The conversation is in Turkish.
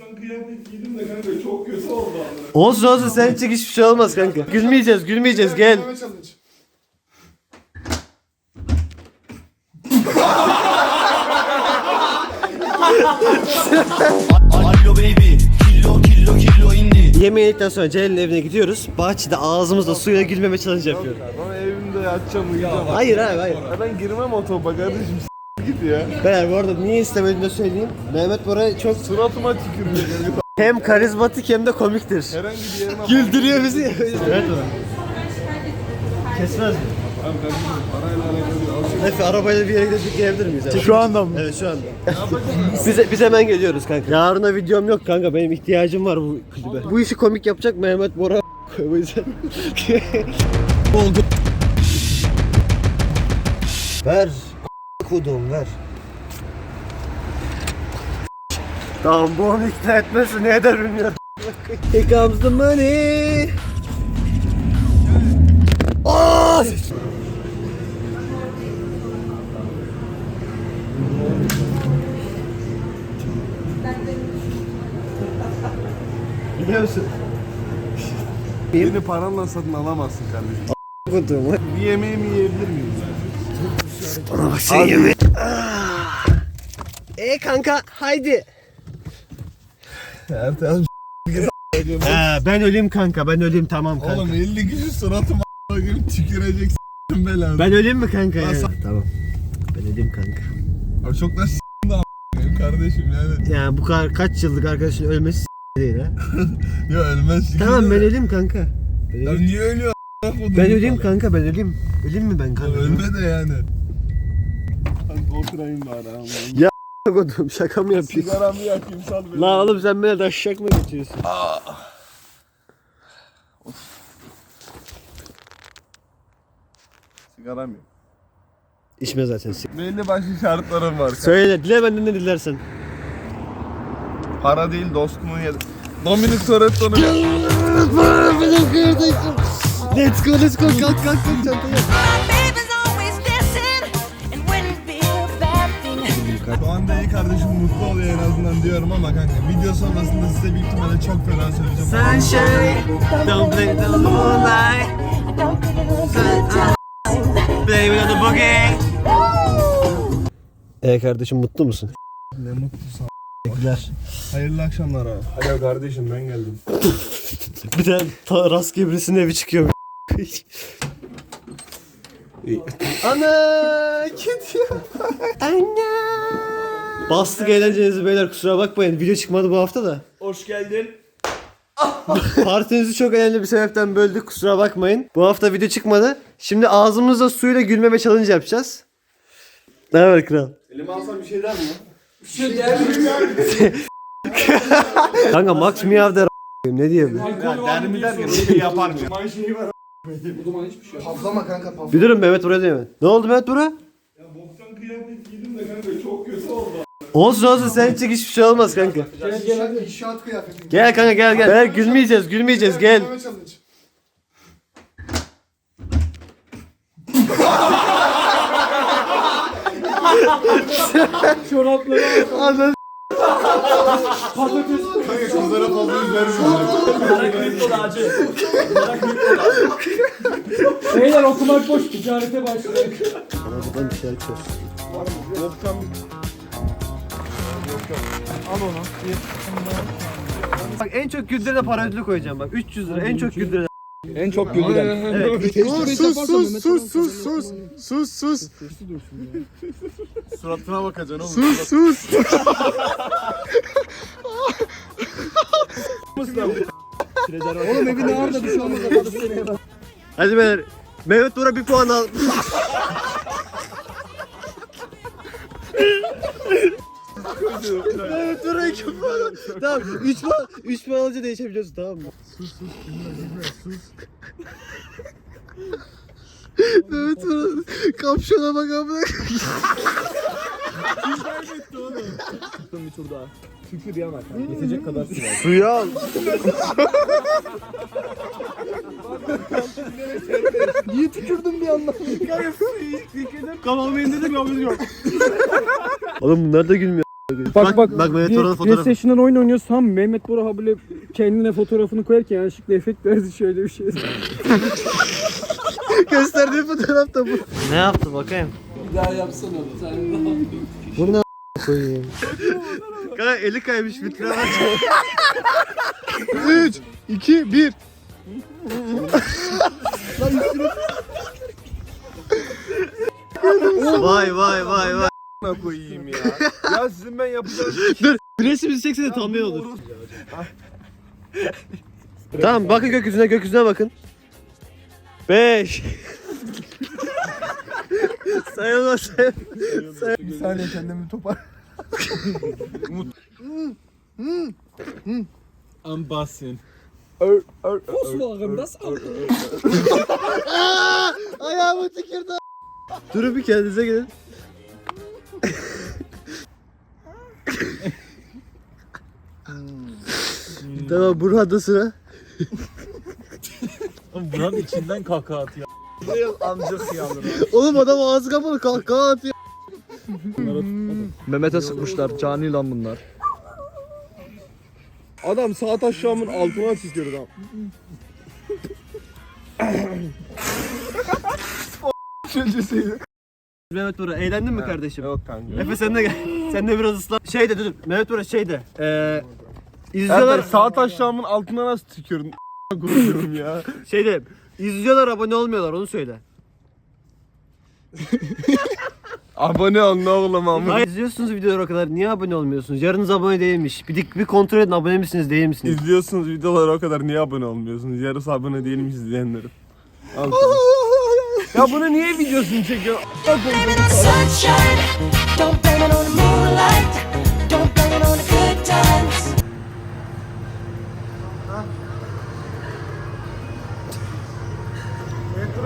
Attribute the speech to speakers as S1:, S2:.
S1: boktan kıyafet giydim de kanka çok kötü oldu.
S2: Olsun olsun, sen çık, hiçbir şey olmaz kanka. Gülmeyeceğiz gel.
S3: Allo baby, killo indi.
S2: Yemeği yedikten sonra Celal'in evine gidiyoruz. Bahçede ağzımızda suyla gülmeme challenge yapıyorum.
S1: Ama evimde yatacağım uyuyacağım.
S2: Hayır abi hayır.
S1: Ben girmem o topa kardeşim git ya.
S2: Beyler bu arada niye istemediğini de söyleyeyim. Mehmet Bora çok
S1: Suratıma tükürüyor.
S2: hem karizmatik hem de komiktir.
S1: Herhangi bir yerine
S2: Güldürüyor bizi. Evet Bora. Kesmez mi?
S1: Abi kardeşim parayla alakalı bir
S2: Efe arabayla bir yere gidip gelebilir miyiz? Abi?
S1: Şu anda mı?
S2: Evet şu anda. biz hemen geliyoruz kanka. Yarına videom yok kanka, benim ihtiyacım var bu klibe. Bu işi komik yapacak Mehmet Bora. O yüzden. Oldu. Ver. Kodum ver. Tamam, bu onu ikna etmesin, ne eder bilmiyorum. Here comes the money. Aaaa! Biliyor musun?
S1: Beni paranla satın alamazsın kardeşim.
S2: Kodum.
S1: Bir yemeğimi yiyebilir miyim?
S2: Bana bak sen yeme. Kanka haydi.
S1: Ertan
S2: Ben öleyim kanka, ben öleyim, tamam kanka.
S1: oğlum 50 kişi suratıma a**ım tükürecek s**tim belanı.
S2: Ben öleyim mi kanka yani?
S1: Nasıl?
S2: Tamam. Ben öleyim kanka.
S1: Abi çok da s**tim de a**ım kardeşim yani.
S2: Yani bu kadar kaç yıllık arkadaşın ölmesi değil ha.
S1: Ya ölmez.
S2: Tamam ben öleyim kanka. Ben
S1: Ya
S2: öleyim,
S1: niye ölüyor
S2: ben öleyim kanka, ben öleyim. Öleyim mi ben kanka?
S1: Ölme de yani. Kanka oturayım bari ama.
S2: Ya kodum, şaka mı yapıyorsun?
S1: Sigaramı yakayım sal beni.
S2: La oğlum sen beni taşacak mı geçiyorsun?
S1: Sigaram yok.
S2: İçme zaten.
S1: Belli başlı şartlarım var.
S2: Söyle, dile benden ne dilersen.
S1: Para değil dostumun yedi. Dominic Toretto'nu
S2: Let's go kalk çantayı.
S1: Şu anda iyi kardeşim mutlu oluyor en azından diyorum ama kanka video sonrasında size büyük ihtimalle çok fena söyleyeceğim.
S2: Sunshine, don't play the moonlight. Play with the boogie. Kardeşim mutlu musun?
S1: Ne mutlusun.
S2: Teşekkürler.
S1: Hayırlı akşamlar abi. Alo kardeşim ben geldim.
S2: Bir de rastgele birisinin evi çıkıyor. Ana kedi. Ana. Bastık eğlencenizi beyler, kusura bakmayın. Video çıkmadı bu hafta da.
S3: Hoş geldin.
S2: Partinizi çok önemli bir sebepten böldük, kusura bakmayın. Bu hafta video çıkmadı. Şimdi ağzımızda suyla gülmeme challenge yapacağız. Ne haber kral?
S1: Elime alsam bir şey der mi?
S3: Bir şey der mi?
S2: Kanka Max Miyav der ne diyebilirim?
S1: Der mi der ya bir şey yapar mı?
S4: Paflama kanka paflama.
S2: Bir durun, Mehmet Bora diyemem. Ne oldu Mehmet Bora?
S1: Ya boktan kıyafet giydim de kanka çok kötü oldu.
S2: Olsun sen çık, hiçbir şey olmaz kanka.
S4: İnşaat kıyafeti.
S2: Gel kanka gel. Beyler gülmeyeceğiz gel.
S4: Gülmeme challenge.
S3: Çorapları
S2: Anladın.
S3: patates.
S1: Kanka kızlara fazla yüz vermiyorum.
S3: Merak etme acı. Merak etme. Beyler okumak boş, ticarete başladık.
S2: Buradan bir şey açıyoruz.
S1: Boktan
S3: Al onu.
S2: Bak en çok güldürene para ödülü koyacağım bak. 300 lira en çok güldürene.
S3: En çok güldüren.
S2: Evet.
S4: Sus.
S1: suratına bakacaksın oğlum.
S4: Sus. Oğlum evin ağırda bir şey olmaz.
S2: Hadi beyler. Mehmet Bora bir puan al. Mehmet Bora 2 puan al. Tamam 3 puan alınca değişebiliyorsun, tamam mı? Sus. Mehmet Bora kapşona bak amına.
S3: Bir tur daha. Şükür yamak. Yetecek kadar sürer.
S2: Suyu al.
S4: Niye tükürdün bir anda?
S2: Oğlum bunlar da gülmüyor.
S3: Bak
S2: Mehmet Bora'nın fotoğrafı.
S3: PlayStation'dan oyun oynuyoruz tam Mehmet Bora böyle kendine fotoğrafını koyarken yanlışlıkla efekt verdi şöyle bir şey.
S2: Gösterdiği fotoğraf da bu. Ne yaptı bakayım?
S3: Bir daha yapsana bir tane daha.
S2: Bu ne koyayım? Kanka eli kaymış vitrine bak.
S4: 3, 2, 1.
S2: Vay.
S1: koyayım ya. Ya sizin ben yapacağım.
S2: Dur bir resim çekse de tam iyi olur. Tamam bakın gökyüzüne bakın. 5 Sayılmaz.
S4: Bir saniye kendimi topar.
S1: Ambassın.
S3: Volkswagen das Auto.
S2: Ayağımı tükürdü. Durun bir kendinize gelin. Tamam Burhan'da sıra.
S1: Buranın içinden kahkaha atıyor. Amcık yavrum.
S2: Oğlum adam ağzı kapalı kahkaha atıyor.
S4: Mehmet'e sıkmışlar. Cani lan bunlar.
S1: Adam sağ taşağımın altına çiziyor adam.
S2: Mehmet Bora eğlendin mi kardeşim?
S1: Yok kanka.
S2: Efe sen de gel. Sen de biraz ıslan. Şey de dur. Mehmet Bora şey de.
S1: İzliyorlar.
S2: İzliyorlar.
S1: Sağ taşağımın altına nasıl tükürdün? Korkuyorum ya.
S2: Şey de. İzliyorlar abone olmuyorlar onu söyle.
S1: Abone ol ne oğlum ama.
S2: Hayır izliyorsunuz videoları o kadar. Niye abone olmuyorsunuz? Yarınız abone değilmiş. Bir kontrol edin abone misiniz değil misiniz?
S1: İzliyorsunuz videoları o kadar niye abone olmuyorsunuz? Yarısı abone değilmiş izleyenlerin. Al. Ya bunu niye videosunu çekiyor?
S5: Blame it on sunshine. Don't blame it on the moonlight. Don't blame it on the good times.